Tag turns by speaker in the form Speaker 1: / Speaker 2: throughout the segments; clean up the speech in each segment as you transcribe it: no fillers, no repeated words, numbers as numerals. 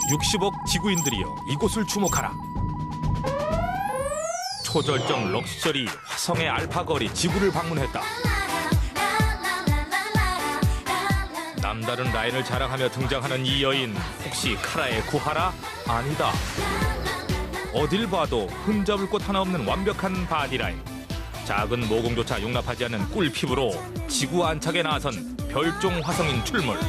Speaker 1: 60억 지구인들이여 이곳을 주목하라. 초절정 럭셔리 화성의 알파걸이 지구를 방문했다. 남다른 라인을 자랑하며 등장하는 이 여인, 혹시 카라의 구하라? 아니다. 어딜 봐도 흠잡을 곳 하나 없는 완벽한 바디라인. 작은 모공조차 용납하지 않는 꿀 피부로 지구 안착에 나선 별종 화성인 출몰.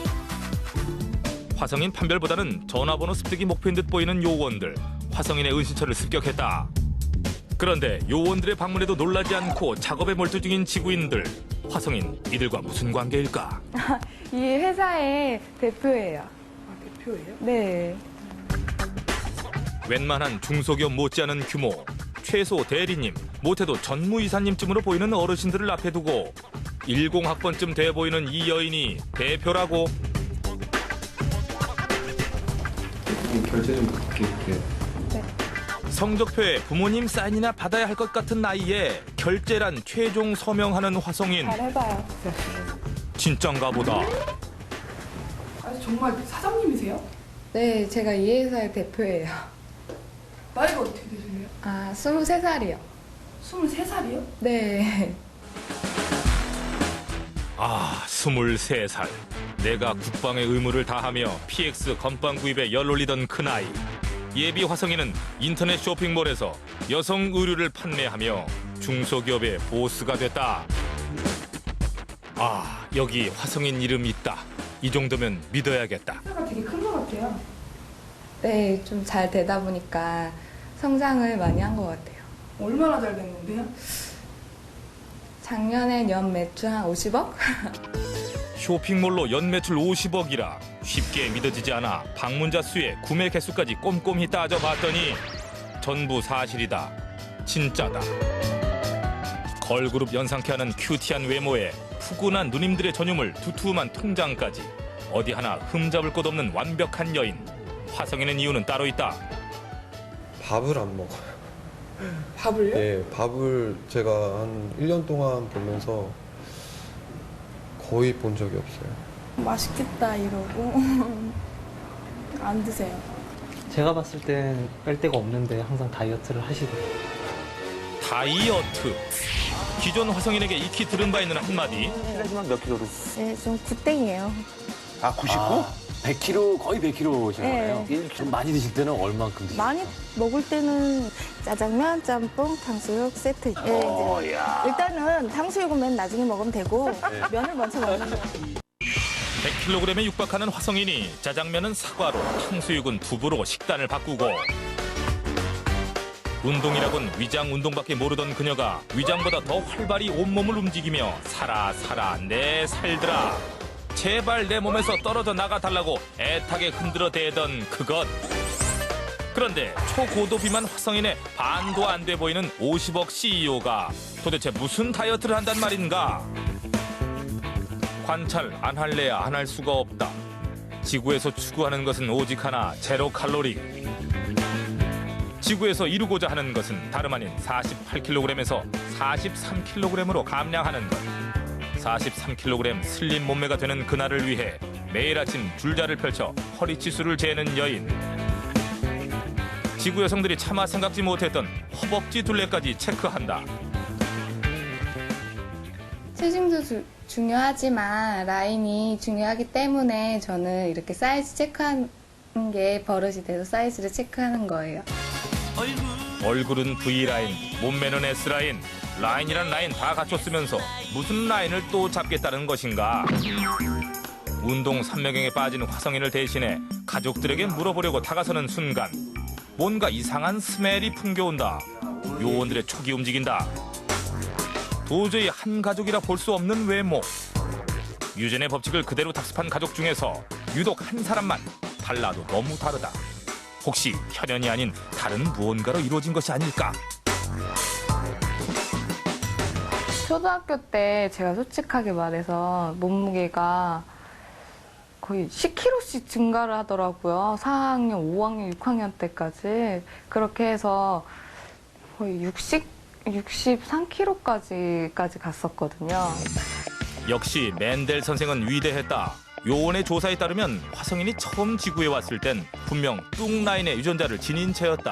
Speaker 1: 화성인 판별보다는 전화번호 습득이 목표인 듯 보이는 요원들. 화성인의 은신처를 습격했다. 그런데 요원들의 방문에도 놀라지 않고 작업에 몰두 중인 지구인들. 화성인, 이들과 무슨 관계일까?
Speaker 2: 이 회사의 대표예요.
Speaker 3: 아, 대표예요?
Speaker 2: 네.
Speaker 1: 웬만한 중소기업 못지않은 규모. 최소 대리님, 못해도 전무이사님쯤으로 보이는 어르신들을 앞에 두고 10학번쯤 돼 보이는 이 여인이 대표라고?
Speaker 4: 결제 좀 부탁드릴게요.
Speaker 1: 성적표에 부모님 사인이나 받아야 할 것 같은 나이에 결제란 최종 서명하는 화성인.
Speaker 2: 잘 해봐요.
Speaker 1: 진짠가 보다.
Speaker 3: 아, 정말 사장님이세요?
Speaker 2: 네, 제가 이 회사의 대표예요.
Speaker 3: 나이가 어떻게 되시나요?
Speaker 2: 아, 23살이요.
Speaker 3: 23살이요?
Speaker 2: 네.
Speaker 1: 아, 23살. 내가 국방의 의무를 다하며 PX 건빵 구입에 열올리던 그 나이. 예비 화성인은 인터넷 쇼핑몰에서 여성 의류를 판매하며 중소기업의 보스가 됐다. 아, 여기 화성인 이름 있다. 이 정도면 믿어야겠다.
Speaker 3: 회사가 되게 큰 것 같아요.
Speaker 2: 네, 좀 잘 되다 보니까 성장을 많이 한 것 같아요.
Speaker 3: 얼마나 잘 됐는데요?
Speaker 2: 작년에 연 매출 한 50억?
Speaker 1: 쇼핑몰로 연 매출 50억이라 쉽게 믿어지지 않아 방문자 수에 구매 개수까지 꼼꼼히 따져봤더니 전부 사실이다. 진짜다. 걸그룹 연상케 하는 큐티한 외모에 푸근한 누님들의 전유물 두툼한 통장까지 어디 하나 흠잡을 곳 없는 완벽한 여인. 화성인의 이유는 따로 있다.
Speaker 4: 밥을 안 먹어요.
Speaker 3: 밥을요?
Speaker 4: 예, 밥을 제가 한 1년 동안 보면서 거의 본 적이 없어요.
Speaker 2: 맛있겠다 이러고 안 드세요.
Speaker 5: 제가 봤을 땐 뺄 데가 없는데 항상 다이어트를 하시더라고요.
Speaker 1: 다이어트. 기존 화성인에게 익히 들은 바 있는 한마디.
Speaker 6: 실례지만 몇 킬로로?
Speaker 2: 네, 좀 굿땡이에요.
Speaker 6: 아, 99? 100킬로, 거의 100킬로신
Speaker 2: 네.
Speaker 6: 거네요. 이게 좀 많이 드실 때는 얼만큼 드시나요?
Speaker 7: 많이 먹을 때는 짜장면, 짬뽕, 탕수육 세트. 예,
Speaker 6: 야.
Speaker 7: 일단은 탕수육은 맨 나중에 먹으면 되고 면을 먼저 먹는 거예요.
Speaker 1: 100kg에 육박하는 화성인이 짜장면은 사과로, 탕수육은 두부로 식단을 바꾸고 운동이라곤 위장 운동밖에 모르던 그녀가 위장보다 더 활발히 온몸을 움직이며 살아 내 살들아 제발 내 몸에서 떨어져 나가달라고 애타게 흔들어 대던 그것. 그런데 초고도 비만 화성인의 반도 안 돼 보이는 50억 CEO가 도대체 무슨 다이어트를 한단 말인가? 관찰 안 할래야 안 할 수가 없다. 지구에서 추구하는 것은 오직 하나, 제로 칼로리. 지구에서 이루고자 하는 것은 다름 아닌 48kg에서 43kg으로 감량하는 것. 43kg 슬림 몸매가 되는 그날을 위해 매일 아침 줄자를 펼쳐 허리치수를 재는 여인. 지구 여성들이 차마 생각지 못했던 허벅지 둘레까지 체크한다.
Speaker 2: 체중도 중요하지만 라인이 중요하기 때문에 저는 이렇게 사이즈 체크하는 게 버릇이 돼서 사이즈를 체크하는 거예요.
Speaker 1: 얼굴은 V라인, 몸매는 S라인. 라인이란 라인 다 갖췄으면서 무슨 라인을 또 잡겠다는 것인가? 운동 삼매경에 빠진 화성인을 대신해 가족들에게 물어보려고 다가서는 순간 뭔가 이상한 스멜이 풍겨온다. 요원들의 촉이 움직인다. 도저히 한 가족이라 볼 수 없는 외모. 유전의 법칙을 그대로 답습한 가족 중에서 유독 한 사람만 달라도 너무 다르다. 혹시 혈연이 아닌 다른 무언가로 이루어진 것이 아닐까?
Speaker 2: 초등학교 때 제가 솔직하게 말해서 몸무게가 거의 10kg씩 증가를 하더라고요. 4학년, 5학년, 6학년 때까지. 그렇게 해서 거의 63kg까지 갔었거든요.
Speaker 1: 역시 맨델 선생은 위대했다. 요원의 조사에 따르면 화성인이 처음 지구에 왔을 땐 분명 뚱 라인의 유전자를 지닌 채였다.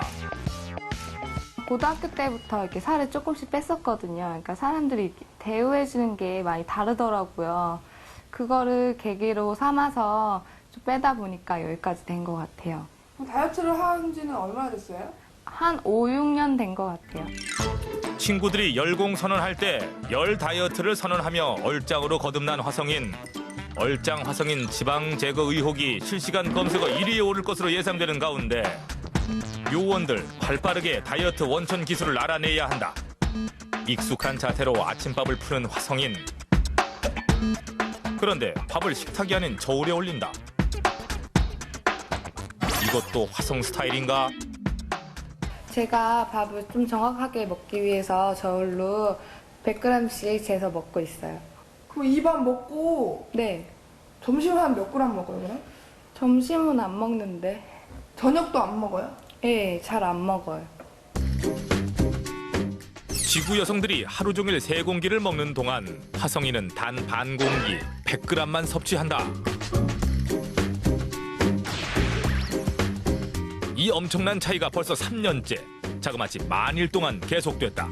Speaker 2: 고등학교 때부터 이렇게 살을 조금씩 뺐었거든요. 그러니까 사람들이 이렇게 대우해주는 게 많이 다르더라고요. 그거를 계기로 삼아서 좀 빼다 보니까 여기까지 된 것 같아요.
Speaker 3: 다이어트를 한 지는 얼마나 됐어요?
Speaker 2: 한 5, 6년 된 것 같아요.
Speaker 1: 친구들이 열공 선언할 때 열 다이어트를 선언하며 얼짱으로 거듭난 화성인. 얼짱 화성인 지방 제거 의혹이 실시간 검색어 1위에 오를 것으로 예상되는 가운데 요원들 발빠르게 다이어트 원천 기술을 알아내야 한다. 익숙한 자세로 아침밥을 푸는 화성인. 그런데 밥을 식탁이 아닌 저울에 올린다. 이것도 화성 스타일인가?
Speaker 2: 제가 밥을 좀 정확하게 먹기 위해서 저울로 100g씩 재서 먹고 있어요.
Speaker 3: 그럼 이 밥 먹고
Speaker 2: 네.
Speaker 3: 점심 한 몇 그램 먹어요, 그럼?
Speaker 2: 점심은 안 먹는데.
Speaker 3: 저녁도 안 먹어요?
Speaker 2: 네, 잘 안 먹어요.
Speaker 1: 지구 여성들이 하루 종일 3공기를 먹는 동안 화성인은 단 반 공기 100g만 섭취한다. 이 엄청난 차이가 벌써 3년째 자그마치 만일 동안 계속됐다.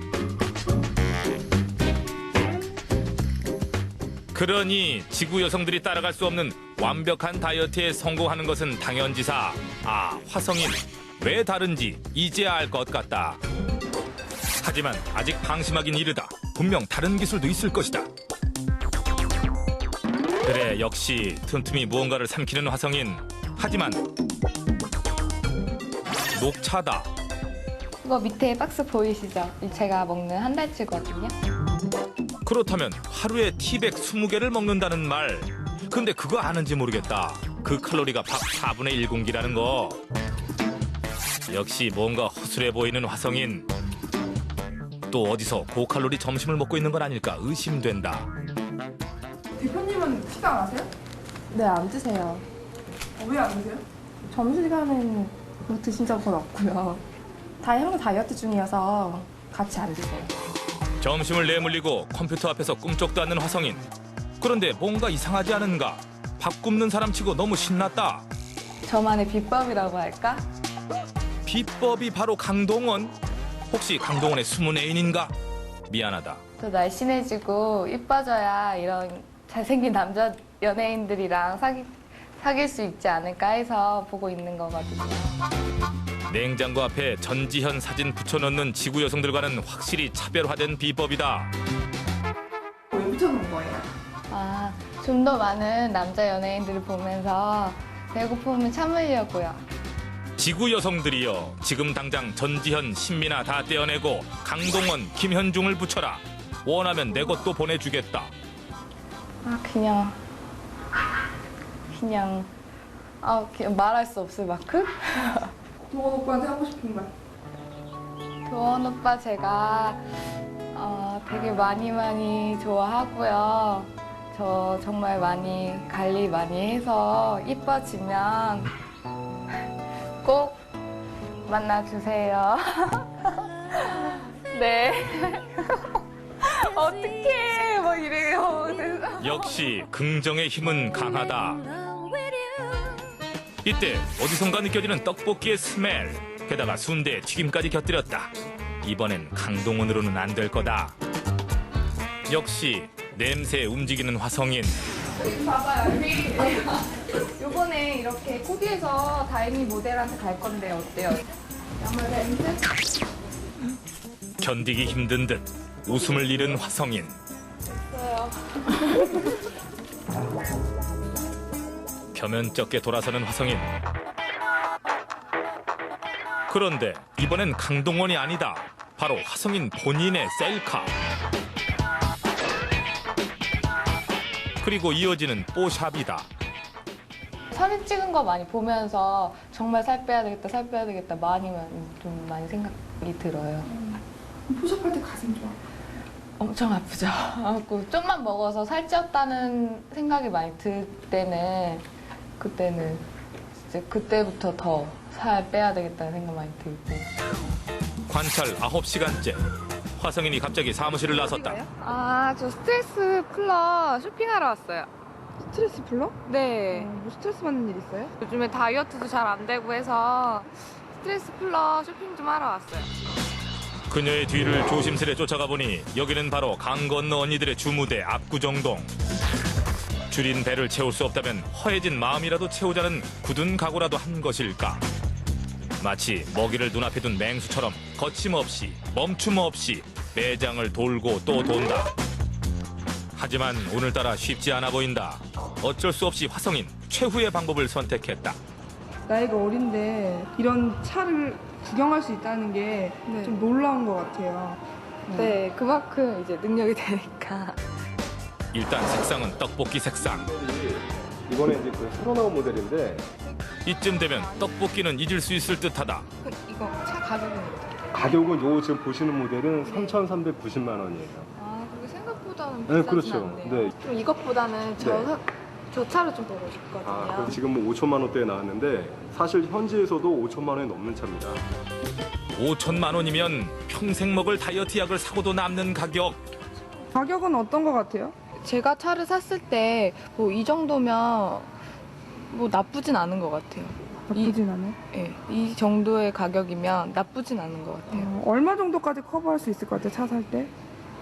Speaker 1: 그러니 지구 여성들이 따라갈 수 없는 완벽한 다이어트에 성공하는 것은 당연지사. 아, 화성인 왜 다른지 이제야 알 것 같다. 하지만 아직 방심하긴 이르다. 분명 다른 기술도 있을 것이다. 그래, 역시 틈틈이 무언가를 삼키는 화성인. 하지만 녹차다.
Speaker 2: 이거 밑에 박스 보이시죠? 제가 먹는 한 달치거든요.
Speaker 1: 그렇다면 하루에 티백 20개를 먹는다는 말. 근데 그거 아는지 모르겠다. 그 칼로리가 밥 4분의 1공기라는 거. 역시 뭔가 허술해 보이는 화성인. 또 어디서 고칼로리 점심을 먹고 있는 건 아닐까 의심된다.
Speaker 3: 대표님은 식단 안 하세요?
Speaker 2: 네, 안 드세요.
Speaker 3: 왜 안 드세요?
Speaker 2: 점심시간엔 뭐 드신 적은 없고요. 형도 다이어트 중이어서 같이 안 드세요.
Speaker 1: 점심을 내몰리고 컴퓨터 앞에서 꿈쩍도 않는 화성인. 그런데 뭔가 이상하지 않은가? 밥 굽는 사람 치고 너무 신났다.
Speaker 2: 저만의 비법이라고 할까?
Speaker 1: 비법이 바로 강동원? 혹시 강동원의 숨은 애인인가? 미안하다.
Speaker 2: 더 날씬해지고 이뻐져야 이런 잘생긴 남자 연예인들이랑 사귈 수 있지 않을까 해서 보고 있는 거거든요.
Speaker 1: 냉장고 앞에 전지현 사진 붙여놓는 지구 여성들과는 확실히 차별화된 비법이다.
Speaker 3: 왜 붙여놓은 거예요?
Speaker 2: 아, 좀 더 많은 남자 연예인들을 보면서 배고픔을 참으려고요.
Speaker 1: 지구 여성들이여, 지금 당장 전지현, 신민아 다 떼어내고 강동원, 김현중을 붙여라. 원하면 내 것도 보내주겠다.
Speaker 2: 아, 그냥 말할 수 없을 만큼?
Speaker 3: 동원 오빠한테 하고 싶은 말.
Speaker 2: 도원 오빠 제가 되게 많이 좋아하고요. 저 정말 많이 관리 많이 해서 이뻐지면 꼭 만나주세요. 네. 어떡해. 뭐 이래요.
Speaker 1: 역시 긍정의 힘은 강하다. 이때 어디선가 느껴지는 떡볶이의 스멜. 게다가 순대, 튀김까지 곁들였다. 이번엔 강동원으로는 안 될 거다. 역시 냄새에 움직이는 화성인.
Speaker 2: 봐봐요. 요번에 이렇게 코디해서 다이미 모델한테 갈 건데 어때요? 양말 렌즈?
Speaker 1: 견디기 힘든 듯 웃음을 잃은 화성인. 겸연쩍게 돌아서는 화성인. 그런데 이번엔 강동원이 아니다. 바로 화성인 본인의 셀카. 그리고 이어지는 뽀샵이다.
Speaker 2: 사진 찍은 거 많이 보면서 정말 살 빼야 되겠다 좀 많이 생각이 들어요.
Speaker 3: 포샵할 때 가슴 좋아.
Speaker 2: 엄청 아프죠. 좀만 먹어서 살찌었다는 생각이 많이 들 때는 그때부터 더 살 빼야 되겠다는 생각 많이 들고.
Speaker 1: 관찰 9시간째. 화성인이 갑자기 사무실을 나섰다.
Speaker 2: 아, 저 스트레스 풀러 쇼핑하러 왔어요.
Speaker 3: 스트레스 풀러?
Speaker 2: 네.
Speaker 3: 뭐 스트레스 받는 일 있어요?
Speaker 2: 요즘에 다이어트도 잘 안 되고 해서 스트레스 풀러 쇼핑 좀 하러 왔어요.
Speaker 1: 그녀의 뒤를 조심스레 쫓아가 보니 여기는 바로 강 건너 언니들의 주무대 압구정동. 줄인 배를 채울 수 없다면 허해진 마음이라도 채우자는 굳은 각오라도 한 것일까. 마치 먹이를 눈앞에 둔 맹수처럼 거침없이 멈춤 없이 매장을 돌고 또 돈다. 하지만 오늘따라 쉽지 않아 보인다. 어쩔 수 없이 화성인 최후의 방법을 선택했다.
Speaker 3: 나이가 어린데 이런 차를 구경할 수 있다는 게 좀 놀라운 것 같아요.
Speaker 2: 네, 그만큼 이제 능력이 되니까.
Speaker 1: 일단 색상은 떡볶이 색상.
Speaker 8: 이번에 이제 그 새로 나온 모델인데
Speaker 1: 이쯤 되면 떡볶이는 잊을 수 있을 듯하다.
Speaker 2: 이거 차 가격은?
Speaker 8: 가격은 요 지금 보시는 모델은 3,390만 원이에요.
Speaker 2: 아, 그게 생각보다는
Speaker 8: 네,
Speaker 2: 비싸진
Speaker 8: 그렇죠.
Speaker 2: 않네요.
Speaker 8: 네.
Speaker 2: 좀 이것보다는 저 차를 좀 보고 싶거든요.
Speaker 8: 아, 그럼 지금 뭐 5천만 원대에 나왔는데 사실 현지에서도 5천만 원이 넘는 차입니다.
Speaker 1: 5천만 원이면 평생 먹을 다이어트 약을 사고도 남는 가격.
Speaker 3: 가격은 어떤 것 같아요?
Speaker 2: 제가 차를 샀을 때 뭐 이 정도면 뭐 나쁘진 않은 것 같아요.
Speaker 3: 나쁘진 않아요?
Speaker 2: 예, 이 정도의 가격이면 나쁘진 않은 것 같아요.
Speaker 3: 얼마 정도까지 커버할 수 있을 것 같아요, 차 살 때?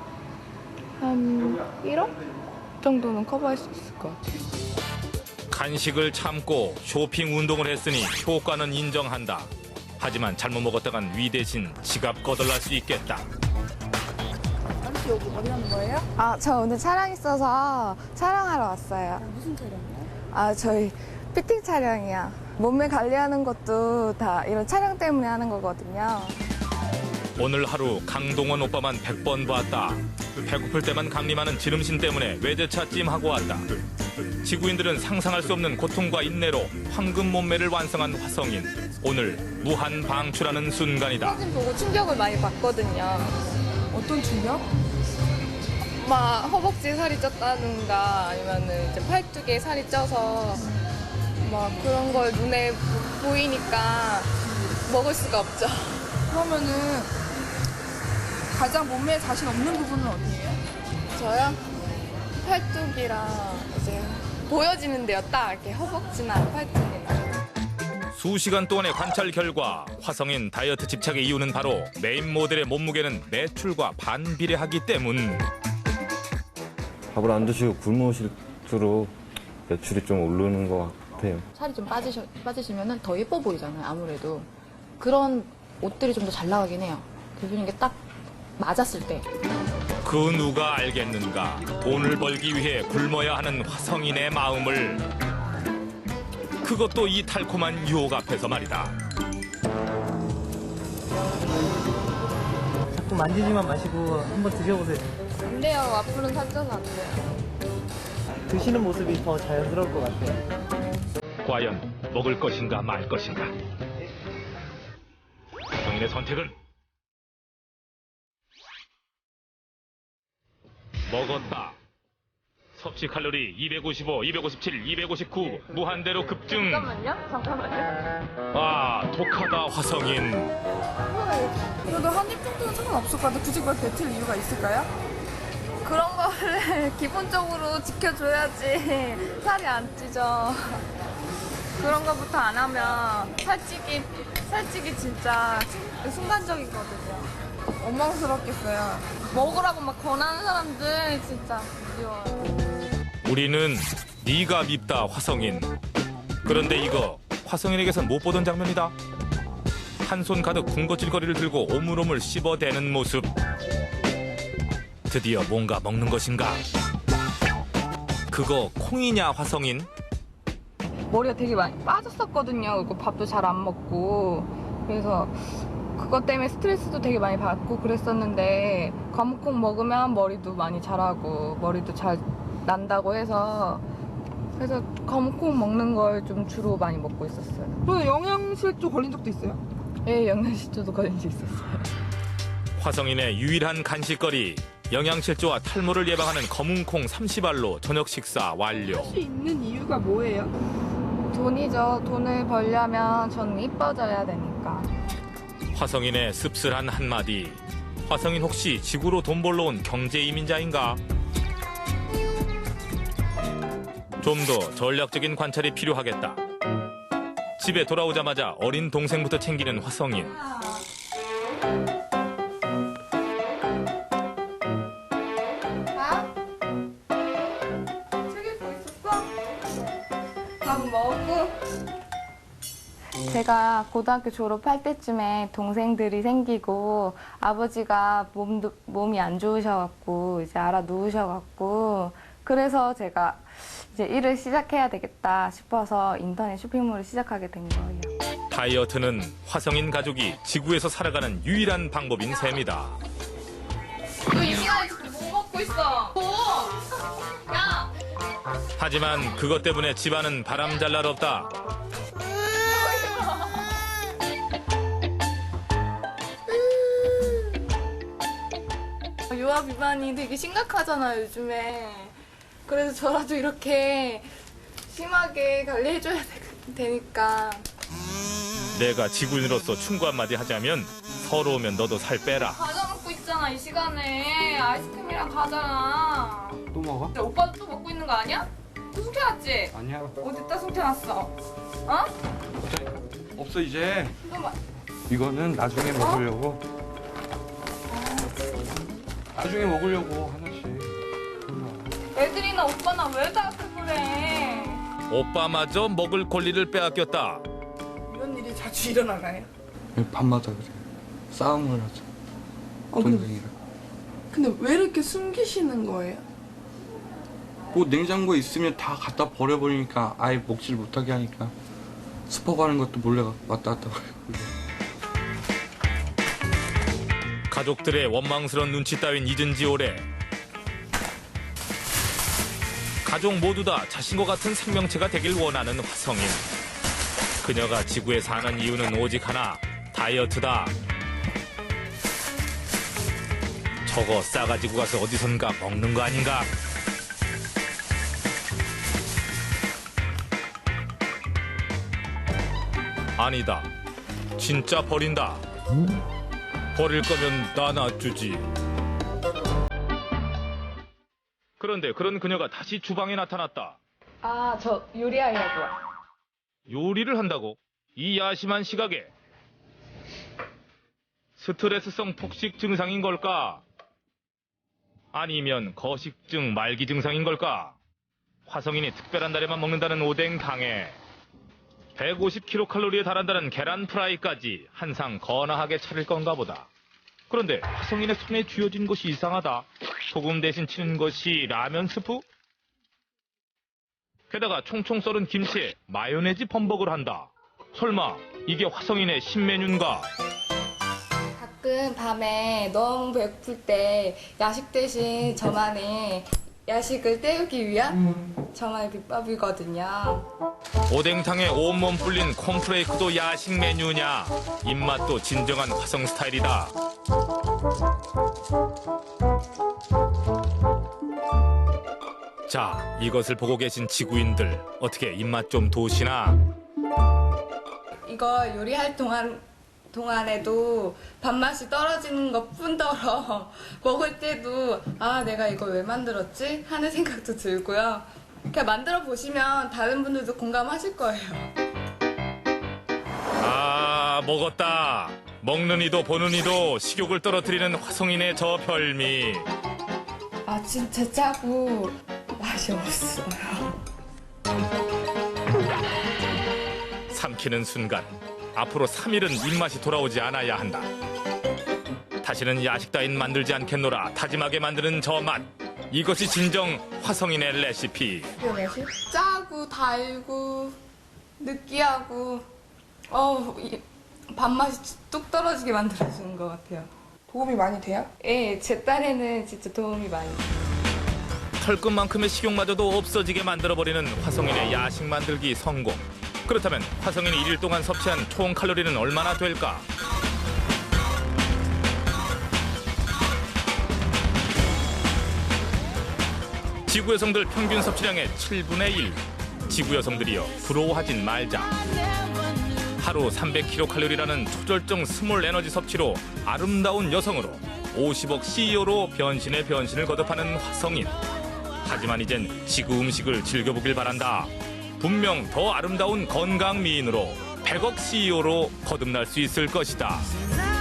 Speaker 2: 한 1억 정도는 커버할 수 있을 것 같아요.
Speaker 1: 간식을 참고 쇼핑 운동을 했으니 효과는 인정한다. 하지만 잘못 먹었다간 위 대신 지갑 거덜날 수 있겠다.
Speaker 7: 아, 저 오늘 촬영 있어서 촬영하러 왔어요. 무슨 촬영이요? 아, 저희 피팅 촬영이요. 몸매 관리하는 것도 다 이런 촬영 때문에 하는 거거든요.
Speaker 1: 오늘 하루 강동원 오빠만 100번 봤다. 배고플 때만 강림하는 지름신 때문에 외제차 찜하고 왔다. 지구인들은 상상할 수 없는 고통과 인내로 황금 몸매를 완성한 화성인. 오늘 무한 방출하는 순간이다.
Speaker 2: 사진 보고 충격을 많이 받거든요.
Speaker 3: 어떤 충격?
Speaker 2: 막 허벅지에 살이 쪘다든가 아니면은 이제 팔뚝에 살이 쪄서 막 그런 걸 눈에 보이니까 먹을 수가 없죠.
Speaker 3: 그러면은 가장 몸매에 자신 없는 부분은 어디예요?
Speaker 2: 저요? 팔뚝이랑 이제 보여지는데요. 딱 이렇게 허벅지나 팔뚝이나.
Speaker 1: 수시간 동안의 관찰 결과 화성인 다이어트 집착의 이유는 바로 메인 모델의 몸무게는 매출과 반비례하기 때문.
Speaker 9: 밥을 안 드시고 굶으실수록 매출이 좀 오르는 것 같아요.
Speaker 10: 살이 좀 빠지시면 더 예뻐 보이잖아요, 아무래도. 그런 옷들이 좀 더 잘 나가긴 해요. 대표님 게 딱 맞았을 때.
Speaker 1: 그 누가 알겠는가. 돈을 벌기 위해 굶어야 하는 화성인의 마음을. 그것도 이 달콤한 유혹 앞에서 말이다.
Speaker 5: 자꾸 만지지만 마시고 한번 드셔보세요.
Speaker 2: 안 돼요. 앞으로는 살쪄서 안 돼요.
Speaker 5: 드시는 모습이 더 자연스러울 것 같아요.
Speaker 1: 과연 먹을 것인가 말 것인가. 화성인의 선택은 먹었다. 섭취 칼로리 255, 257, 259 무한대로 급증.
Speaker 2: 잠깐만요.
Speaker 1: 아, 독하다 화성인.
Speaker 3: 그래도 한 입 정도는 상관없을 것 같아요. 굳이 그걸 뱉을 이유가 있을까요?
Speaker 2: 그런 거를 기본적으로 지켜줘야지 살이 안 찌죠. 그런 거부터 안 하면 살찌기 진짜 순간적이거든요.
Speaker 3: 원망스럽겠어요.
Speaker 2: 먹으라고 막 권하는 사람들 진짜 미워요.
Speaker 1: 우리는 네가 밉다 화성인. 그런데 이거 화성인에게선 못 보던 장면이다. 한 손 가득 군것질거리를 들고 오물오물 씹어대는 모습. 드디어 뭔가 먹는 것인가. 그거 콩이냐 화성인?
Speaker 2: 머리가 되게 많이 빠졌었거든요. 그리고 밥도 잘 안 먹고. 그래서 그것 때문에 스트레스도 되게 많이 받고 그랬었는데 거무콩 먹으면 머리도 많이 자라고 머리도 잘 난다고 해서 그래서 거무콩 먹는 걸 좀 주로 많이 먹고 있었어요.
Speaker 3: 그래서 영양실조 걸린 적도 있어요?
Speaker 2: 예, 영양실조도 걸린 적 있었어요.
Speaker 1: 화성인의 유일한 간식거리. 영양실조와 탈모를 예방하는 검은콩 30알로 저녁 식사 완료.
Speaker 3: 할 수 있는 이유가 뭐예요?
Speaker 2: 돈이죠. 돈을 벌려면 저는 이뻐져야 되니까.
Speaker 1: 화성인의 씁쓸한 한마디. 화성인 혹시 지구로 돈 벌러 온 경제 이민자인가? 좀 더 전략적인 관찰이 필요하겠다. 집에 돌아오자마자 어린 동생부터 챙기는 화성인.
Speaker 2: 밥? 책 읽고 있었어? 밥 먹고?
Speaker 7: 제가 고등학교 졸업할 때쯤에 동생들이 생기고 아버지가 몸이 안 좋으셔갖고 이제 알아 누우셔갖고 그래서 제가 이제 일을 시작해야 되겠다 싶어서 인터넷 쇼핑몰을 시작하게 된 거예요.
Speaker 1: 다이어트는 화성인 가족이 지구에서 살아가는 유일한 방법인 셈이다.
Speaker 2: 너 이 시간에 지금 뭐 먹고 있어? 뭐? 야!
Speaker 1: 하지만 그것 때문에 집안은 바람잘 날 없다.
Speaker 2: 유아 비만이 되게 심각하잖아요, 요즘에. 그래서 저라도 이렇게 심하게 관리해줘야 되니까.
Speaker 1: 내가 지구인으로서 충고 한마디 하자면 서러우면 너도 살 빼라.
Speaker 2: 과자 먹고 있잖아, 이 시간에. 아이스크림이랑 과자랑.
Speaker 5: 또 먹어?
Speaker 2: 오빠도 또 먹고 있는 거 아니야? 또 숨겨놨지?
Speaker 5: 아니야.
Speaker 2: 어디다 숨겨놨어? 어?
Speaker 5: 없어 이제.
Speaker 2: 너 마...
Speaker 5: 이거는 나중에 먹으려고. 나중에 먹으려고 하나씩.
Speaker 2: 애들이나 오빠나 왜 다 그래?
Speaker 1: 오빠마저 먹을 권리를 빼앗겼다.
Speaker 3: 이런 일이 자주 일어나나요?
Speaker 5: 밤마다 그래. 싸움을 하자. 동생이랑.
Speaker 3: 근데 왜 이렇게 숨기시는 거예요?
Speaker 5: 뭐 냉장고에 있으면 다 갖다 버려버리니까 아예 먹질 못하게 하니까 슈퍼 가는 것도 몰래 왔다 갔다 거리고.
Speaker 1: 가족들의 원망스러운 눈치 따윈 잊은 지 오래. 가족 모두 다 자신과 같은 생명체가 되길 원하는 화성인. 그녀가 지구에 사는 이유는 오직 하나, 다이어트다. 저거 싸가지고 가서 어디선가 먹는 거 아닌가? 아니다. 진짜 버린다. 버릴 거면 나 놔주지. 그런데 그런 그녀가 다시 주방에 나타났다.
Speaker 2: 아, 저 요리하려고요.
Speaker 1: 요리를 한다고? 이 야심한 시각에. 스트레스성 폭식 증상인 걸까? 아니면 거식증 말기 증상인 걸까? 화성인이 특별한 날에만 먹는다는 오뎅 당에 150kcal에 달한다는 계란 프라이까지 한 상 거나하게 차릴 건가 보다. 그런데 화성인의 손에 쥐어진 것이 이상하다. 소금 대신 치는 것이 라면 스프? 게다가 총총 썰은 김치에 마요네즈 범벅을 한다. 설마 이게 화성인의 신메뉴인가?
Speaker 7: 가끔 밤에 너무 배고플 때 야식 대신 저만의 야식을 때우기 위한 저만의 비법이거든요.
Speaker 1: 오뎅탕에 온몸 불린 콘프레이크도 야식 메뉴냐? 입맛도 진정한 화성 스타일이다. 자, 이것을 보고 계신 지구인들 어떻게 입맛 좀 도시나?
Speaker 2: 이거 요리할 동안에도 밥맛이 떨어지는 것 뿐더러 먹을 때도 아, 내가 이걸 왜 만들었지? 하는 생각도 들고요. 그냥 만들어 보시면 다른 분들도 공감하실 거예요.
Speaker 1: 아, 먹었다. 먹는 이도 보는 이도 식욕을 떨어뜨리는 화성인의 저 별미.
Speaker 2: 아, 진짜 짜고 맛이 없어요.
Speaker 1: 삼키는 순간 앞으로 3일은 입맛이 돌아오지 않아야 한다. 다시는 야식 따윈 만들지 않겠노라 다짐하게 만드는 저 맛. 이것이 진정 화성인의 레시피.
Speaker 2: 짜고 달고 느끼하고 밥맛이 뚝 떨어지게 만들어주는 것 같아요.
Speaker 3: 도움이 많이 돼요?
Speaker 2: 예, 제 딸에는 진짜 도움이 많이 돼요.
Speaker 1: 털끝만큼의 식욕마저도 없어지게 만들어버리는 화성인의 야식 만들기 성공. 그렇다면 화성인이 1일 동안 섭취한 총 칼로리는 얼마나 될까? 지구 여성들 평균 섭취량의 7분의 1. 지구 여성들이여 부러워하진 말자. 하루 300kcal라는 초절정 스몰 에너지 섭취로 아름다운 여성으로 50억 CEO로 변신의 변신을 거듭하는 화성인. 하지만 이젠 지구 음식을 즐겨보길 바란다. 분명 더 아름다운 건강 미인으로 100억 CEO로 거듭날 수 있을 것이다.